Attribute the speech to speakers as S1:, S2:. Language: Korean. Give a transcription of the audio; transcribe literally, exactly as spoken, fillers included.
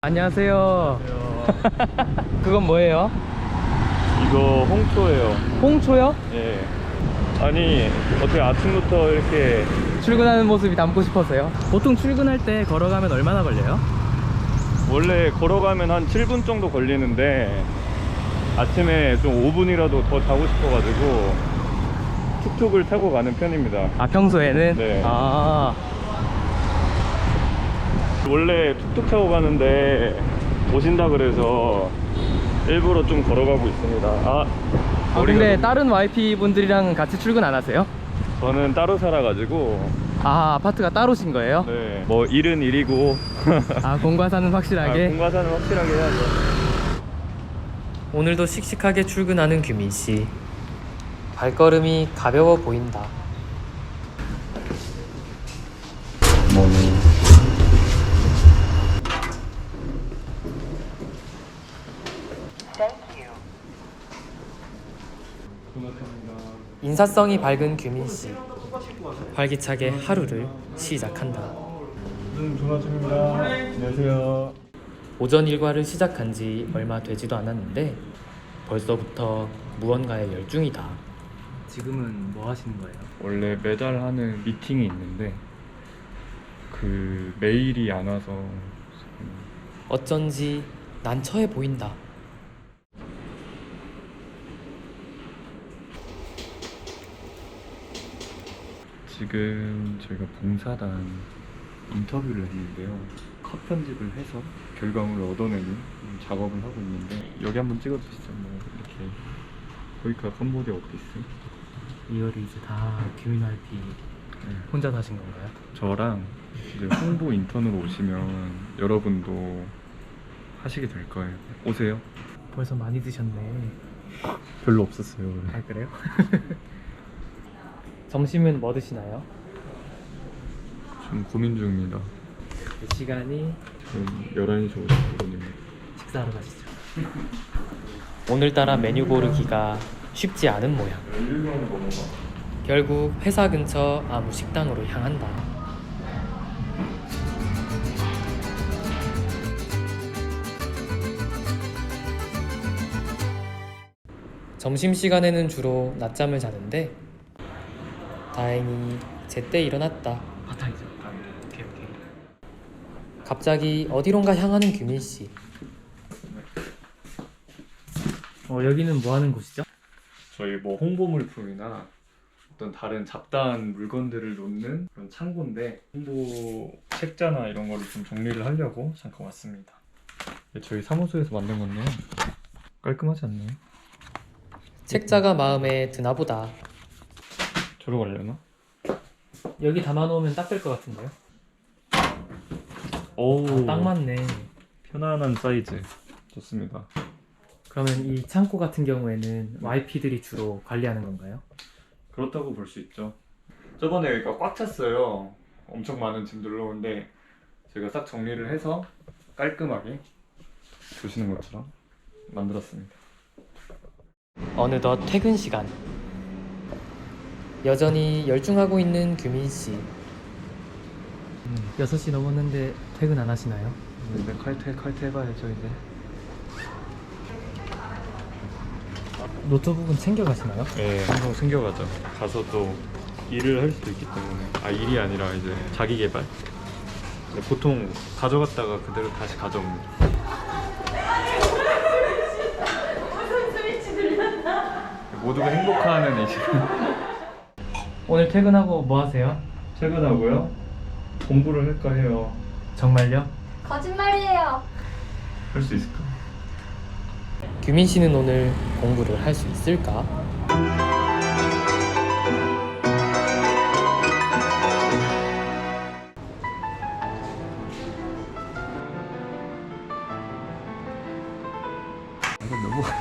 S1: 안녕하세요. 그건 뭐예요?
S2: 이거 홍초예요.
S1: 홍초요?
S2: 예. 아니 어떻게 아침부터 이렇게
S1: 출근하는 모습이 담고 싶어서요. 보통 출근할 때 걸어가면 얼마나 걸려요?
S2: 원래 걸어가면 한 칠 분 정도 걸리는데 아침에 좀 오 분이라도 더 자고 싶어가지고 툭툭을 타고 가는 편입니다.
S1: 아, 평소에는?
S2: 네.
S1: 아,
S2: 원래 툭툭 타고 가는데 오신다 그래서 일부러 좀 걸어가고 있습니다. 아,
S1: 아 근데
S2: 좀-
S1: 다른 와이피 분들이랑 같이 출근 안 하세요?
S2: 저는 따로 살아가지고
S1: 아, 아파트가 따로신 거예요?
S2: 네, 뭐 일은 일이고
S1: 아, 공과사는
S2: 아,
S1: 확실하게?
S2: 공과사는 확실하게 해야죠.
S1: 오늘도 씩씩하게 출근하는 규민씨. 발걸음이 가벼워 보인다. 인사성이 밝은 규민씨. 활기차게 하루를 시작한다.
S2: 음, 조나준입니다. 안녕하세요.
S1: 오전 일과를 시작한 지 얼마 되지도 않았는데 벌써부터 무언가에 열중이다. 지금은 뭐 하시는 거예요?
S2: 원래 매달 하는 미팅이 있는데 그 메일이 안 와서
S1: 어쩐지 난처해 보인다.
S2: 지금 저희가 봉사단 인터뷰를 했는데요. 컷 편집을 해서 결과물을 얻어내는 작업을 하고 있는데 여기 한번 찍어주시죠. 뭐 이렇게 거기가 컴보드 오피스.
S1: 이거를 이제 다 규민 와이피
S2: 네.
S1: 혼자 사신 건가요?
S2: 저랑 이제 홍보 인턴으로 오시면 여러분도 하시게 될 거예요. 오세요.
S1: 벌써 많이 드셨네.
S2: 별로 없었어요 원래.
S1: 아, 그래요? 점심은 뭐 드시나요?
S2: 좀 고민 중입니다.
S1: 시간이
S2: 지금 열한 시 오십 분입니다.
S1: 식사하러 가시죠. 오늘따라 메뉴 고르기가 쉽지 않은 모양. 결국 회사 근처 아무 식당으로 향한다. 점심시간에는 주로 낮잠을 자는데 다행히 제때 일어났다. 아, 다행이죠. 오케이, 오케이. 갑자기 어디론가 향하는 규민씨. 어, 여기는 뭐 하는 곳이죠?
S2: 저희 뭐 홍보 물품이나 어떤 다른 잡다한 물건들을 놓는 그런 창고인데 홍보 책자나 이런 거를 좀 정리를 하려고 잠깐 왔습니다. 저희 사무소에서 만든 건데요. 깔끔하지 않나요?
S1: 책자가 마음에 드나 보다.
S2: 저러 가려나?
S1: 여기 담아놓으면 딱 될 것 같은데요?
S2: 오,
S1: 아, 딱 맞네.
S2: 편안한 사이즈 좋습니다.
S1: 그러면 이 창고 같은 경우에는 와이피들이 주로 관리하는 건가요?
S2: 그렇다고 볼 수 있죠. 저번에 여기가 꽉 찼어요. 엄청 많은 짐들로. 근데 제가 싹 정리를 해서 깔끔하게 보시는 것처럼 만들었습니다.
S1: 어느덧 퇴근 시간. 여전히 열중하고 있는 규민씨. 여섯 시 넘었는데 퇴근 안 하시나요?
S2: 이제 칼퇴 칼퇴 해봐야죠 이제.
S1: 노트북은 챙겨가시나요?
S2: 네, 항상 챙겨가죠. 가서 또 일을 할 수도 있기 때문에. 아, 일이 아니라 이제 자기 개발. 근데 보통 가져갔다가 그대로 다시 가져옵니다. 모두가 행복해하는 이 시간.
S1: 오늘 퇴근하고 뭐 하세요?
S2: 퇴근하고요. 공부를 할까 해요.
S1: 정말요?
S3: 거짓말이에요.
S2: 할 수 있을까?
S1: 규민씨는 오늘 공부를 할 수 있을까?
S2: 이건 너무